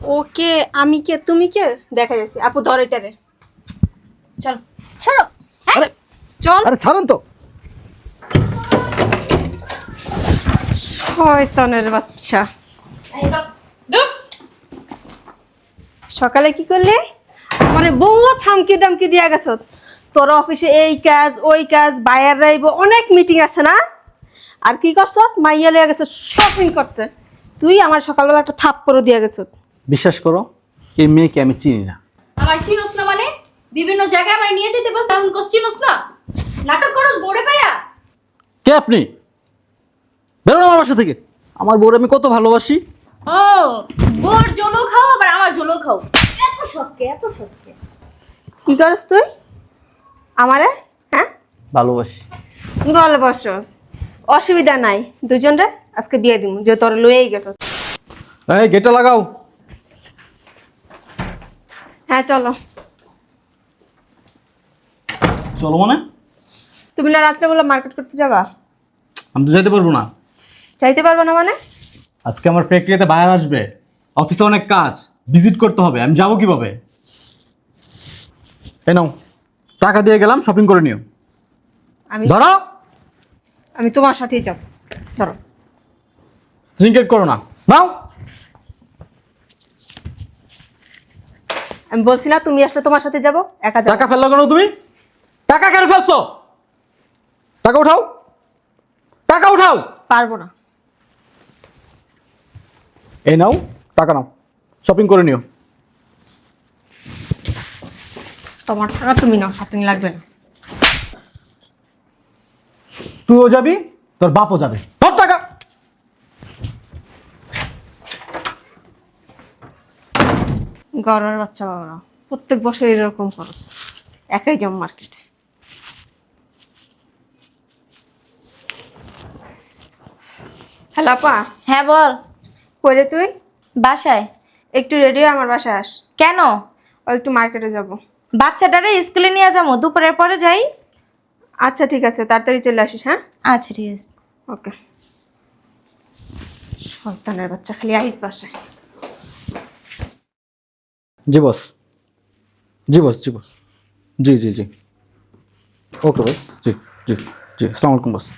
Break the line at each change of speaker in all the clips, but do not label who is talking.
ওকে, আমি কে তুমি কে দেখা যাচ্ছে। আপু ধর এটারে, চল ছাড়ো। হ্যাঁ
আরে
চল।
আরে ছাড়েন তো।
শয়তানের বাচ্চা। সকালে কি করলে? মানে বউ থামকি দামকি দিয়া গেছ। তোর অফিসে এই কাজ ওই কাজ, বায়ার রাইব, অনেক মিটিং আছে না? আর কি করছ? মাইয়া লিয়া গেছ শপিং করতে। তুই আমার সকালবেলা একটা থাপ্পড় দিয়া গেছ।
বিশ্বাস করো, এই মেয়েকে আমি চিনি না।
আমার চিনোস না মানে? বিভিন্ন জায়গায় আমার নিয়ে যেতে পারছ, এখন কোস চিনোস না? নাটক করস বড়ে পায়া?
কে আপনি? বেরোন আমার বাসা থেকে। আমার বউর আমি কত ভালোবাসি।
ও, গোর জলো খাও আবার আমার জলো খাও। এত শখকে, এত শখকে।
কি করস তুই আমারে? হ্যাঁ
ভালোবাসি।
গল্প বসস, অসুবিধা নাই। দুজনরে আজকে বিয়ে দিমু, যে তোর লয়েই গেছ।
এই গেটটা লাগাও।
হ্যাঁ চলো।
চলো মানে?
তুমি না রাত্রেবেলা মার্কেট করতে যাবা?
আমি তো যাইতে পারবো না।
চাইতে পারবো না মানে?
আজকে আমার ফ্যাক্টরিতে বাইরে আসবে, অফিসে অনেক কাজ, ভিজিট করতে হবে। আমি যাবো কিভাবে? এই নাও, টাকা দিয়ে গেলাম, শপিং করে নিও।
আমি
ধরো।
আমি তোমার সাথেই যাব। ধরো।
সিনক্রেট করো না, নাও।
আমি বলছি না তুমি আসলে তোমার সাথে যাব, একা যাব।
টাকা ফেললো কেন তুমি? টাকা কেন ফেলছো? টাকা উঠাও, টাকা উঠাও।
পারবো না।
এই নাও, টাকা নাও, শপিং করে নিও।
তোমার টাকা তুমি নাও, শপিং লাগবে না।
তুইও যাবি, তোর বাপও যাবে। তোর টাকা।
গড়ের বাচ্চা বাবারা প্রত্যেক বছর এরকম খরচ। একাই যাও মার্কেটে। হ্যালো আপা।
হ্যাঁ বল।
কইরে তুই?
বাসায়।
একটু রেডি হয়ে আমার বাসায় আস।
কেন?
ও একটু মার্কেটে যাব।
বাচ্চাটারে স্কুলে নিয়ে যাবো, দুপুরের পরে যাই।
আচ্ছা ঠিক আছে, তাড়াতাড়ি চলে আসিস। হ্যাঁ
আচ্ছা ঠিক আছে।
ওকে। শয়তানের বাচ্চা, খালি আইস বাসায়।
জি বস, জি বস, জি বস, জি জি জি। ওকে বস, জি জি জি। আসসালামু আলাইকুম বস।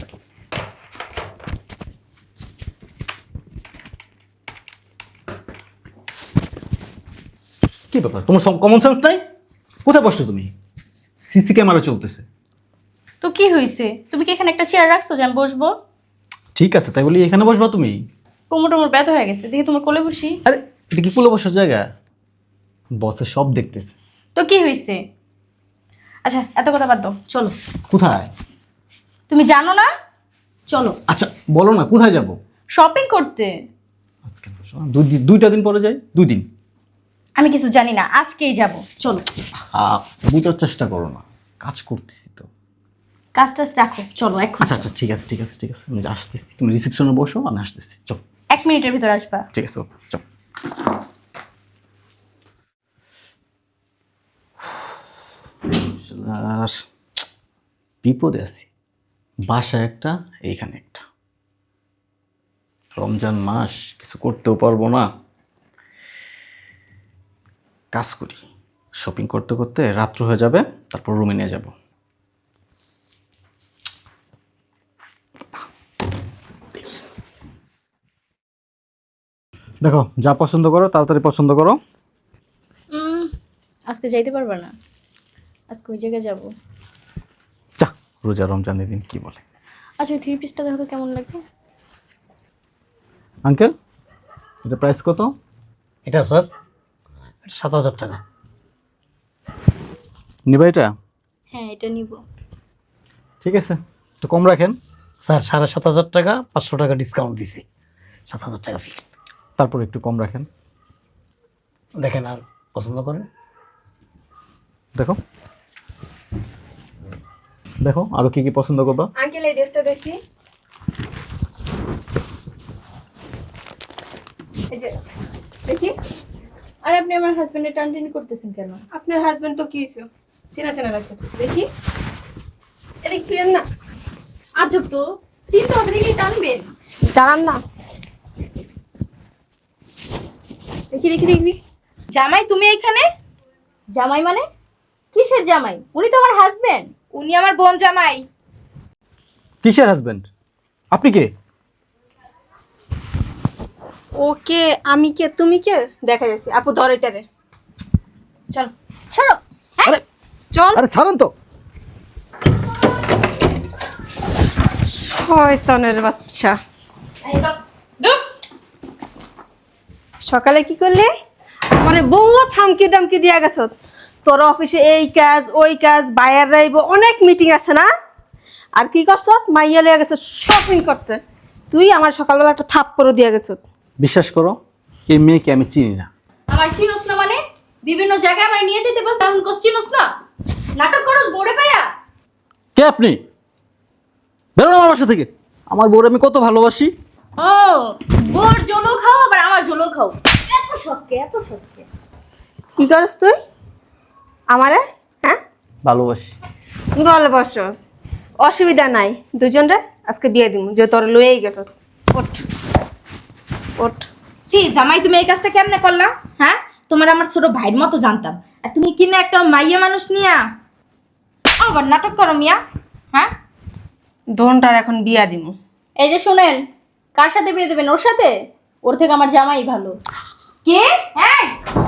কি ব্যাপার, তোমার কমন সেন্স নাই? কোথায় বসছো তুমি? সিসি ক্যামেরা চলতেছে।
তো কি হয়েছে? তুমি কি এখানে একটা চেয়ার রাখছো যে আমি বসবো?
ঠিক আছে, তাই বলি এখানে বসবা তুমি?
কোমর টোমর ব্যথা হয়ে গেছে, দেখি তোমার কোলে বসি।
আরে এটা কি পুলো বসার জায়গা? বসে সব দেখতেছে।
তো কি হয়েছে? আচ্ছা এত কথা বাদ দাও, চলো।
কোথায়?
তুমি জানো না? চলো
আচ্ছা বলো না, কোথায় যাব?
শপিং করতে।
আজকে বসো, দুইটা দিন পরে যাই। 2 দিন?
আমি কিছু জানি না, আজকেই যাব, চলো।
বুঝার চেষ্টা করো না, কাজ করতেছি তো।
কাজ টাজ রাখো, চলো এখন।
আচ্ছা আচ্ছা ঠিক আছে ঠিক আছে ঠিক আছে, আমি আসতেছি। তুমি রিসেপশনে বসো, আমি আসতেছি। চল।
1 মিনিটের ভিতর আসবা।
ঠিক আছে, ওকে চল। আর বিপদে আছি। বাসায় একটা, এইখানে একটা। রমজান মাস, কিছু করতেও পারবো না। কাজ করি, শপিং করতে করতে রাত্র হয়ে যাবে, তারপর রুমে নিয়ে যাব। দেখো, যা পছন্দ করো তাড়াতাড়ি পছন্দ করো।
আজকে যাইতে পারবা না, আজকে ওই জায়গায় যাবো।
যা, রোজা রমজানের দিন কি বলে।
আচ্ছা ওই 3 পিসটা দেখো তো কেমন লাগবে।
আঙ্কেল, এটা প্রাইস কত?
এটা স্যার 7,000 টাকা।
নিবা এটা?
হ্যাঁ এটা নিব।
ঠিক আছে, একটু কম রাখেন।
স্যার 7,500 টাকা, 500 টাকা ডিসকাউন্ট দিছি, 7,000 টাকা ফিক্সড।
তারপর একটু কম রাখেন।
দেখেন আর পছন্দ করেন।
দেখো দেখো, আরো কি কি পছন্দ করবা।
আঙ্কেল এই ড্রেসটা দেখি। এই যে দেখি।
আর আপনি আমার হাজবেন্ডের টানটানি করতেছেন কেন?
আপনার হাজবেন্ড তো কি হইছে? চেনা চেনা লাগতেছে, দেখি। এটা ক্লিয়ার না?
আজব তো, চিন্তা হবে দেখি টানবেন।
দাঁড়ান না। দেখি দেখি দেখি।
জামাই তুমি এখানে? জামাই মানে কিসের জামাই? উনি তো আমার হাজবেন্ড।
উনি আমার বোন জামাই।
কিসের হাজবেন্ড? আপনি কে?
ওকে, আমি কে তুমি কে দেখা যাচ্ছে। আপু ধর এটারে।
চল ছাড়ো।
আরে
চল।
আরে ছাড়ুন তো।
শয়তানের বাচ্চা। সকালে কি করলে? মানে বহুত থামকি দামকি দিয়া গেছ। তোর অফিসে এই কাজ ওই কাজ, বায়ার রাইব, অনেক মিটিং আছে না? আর কি করছ? মাইয়া লিয়া গেছ শপিং করতে। তুই আমার সকালবেলা একটা থাপ্পড়ও দিয়া গেছ।
বিশ্বাস করো, এই মেয়েকে আমি চিনি না।
আমার চিনোস না মানে? বিভিন্ন জায়গায় আমার নিয়ে যেতে পারছ, এখন চিনোস না? নাটক করস বোরে পায়া?
কে আপনি? বেরোন আমার বাসা থেকে। আমার বউর আমি কত ভালোবাসি।
ও, বোর জলো খাও আবার আমার জলো খাও। এত সৎকে, এত সৎকে।
কি করস তুই আমারে? হ্যাঁ,
ভালোবাসি।
গল বসস, অসুবিধা নাই। দুজনরে আজকে বিয়ে দিব, যে তোর লয়েই গেছ। ওঠ ওঠ।
সি জামাই, তুমি এই কাজটা কেমনে করলা? হ্যাঁ, তোমার আমার ছোট ভাইয়ের মতো জানতাম, আর তুমি কিনা একটা মাইয়া মানুষ নিয়া আবার নাটক করো মিয়া। হ্যাঁ,
দোনটার এখন বিয়া দিব।
এই যে শুনেন, কার সাথে বিয়ে দেবেন? ওর সাথে? ওর থেকে আমার জামাই ভালো।
কে? হ্যাঁ,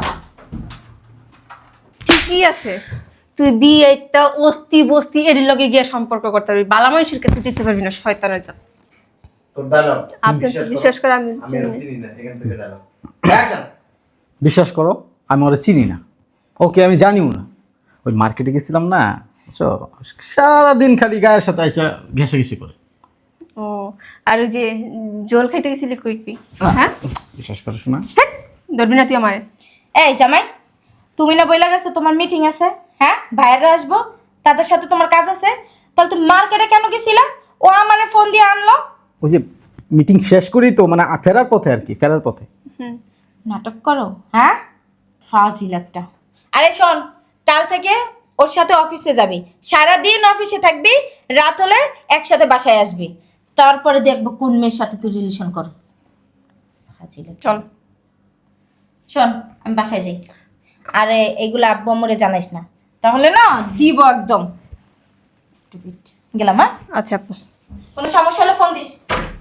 ঠিকই আছে, তুই বিয়ে একটা অস্তি বস্তি এর লগে গিয়ে সম্পর্ক করতে পারবি, বালা মানুষের কাছে যেতে পারবি না। শয়তানের জাত।
তোর ডায়লগ
আপনি তো বিশ্বাস করে আমি
আমি
চিনি
আর
না।
চিনি না এখান থেকে ডায়লগ অ্যাকশন।
বিশ্বাস করো, আমি ওরা চিনি না। ওকে আমি জানিও না। ওই মার্কেটে গেছিলাম না, বুঝছো? সারাদিন খালি গায়ের সাথে এসে ঘেঁষাঘেঁষি করে।
ও, আর ওই যে জল খাইতে গেছিলি কই কই? হ্যাঁ,
বিশ্বাস করো শোনা।
ধরবি না তুই আমারে।
এই জামাই, তুমি না বইলা গেছো তোমার মিটিং আছে? হ্যাঁ, ভাইয়েরা আসবো, তাদের সাথে তোমার কাজ আছে, তাহলে তুমি মার্কেটে কেন গেছিলা? ও আমারে ফোন দিয়ে আনলো।
ওই যে মিটিং শেষ করি তো, মানে ফেরার পথে আর কি, ফেরার পথে।
নাটক করো, হ্যাঁ, ফাজিল একটা। আরে শোন, কাল থেকে ওর সাথে অফিসে যাবি, সারাদিন অফিসে থাকবি, রাত হলে একসাথে বাসায় আসবি, তারপরে দেখবো কোন মেয়ের সাথে তুই রিলেশন করস। ফাজিল একটা।
চল।
শোন, আমি বাসায় যাই। আরে এইগুলো আব্বু আম্মুরে জানাইস না, তাহলে না দিব একদম। স্টুপিড। গেলাম, হ্যাঁ?
আচ্ছা আপু,
কোনো সমস্যা হলে ফোন দিস।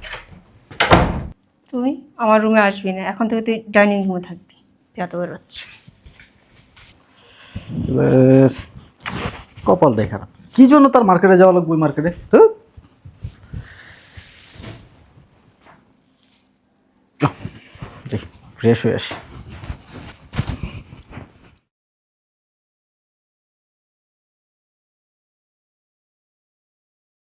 তুই আমার রুমে আসবি না, এখন থেকে তুই ডাইনিং রুমে থাকবি। পেঁয়াতো বেরোচ্ছে।
কপাল দেখা কি জন্য তার মার্কেটে যাওয়া লাগবে? মার্কেটে ফ্রেশ হয়ে আসি।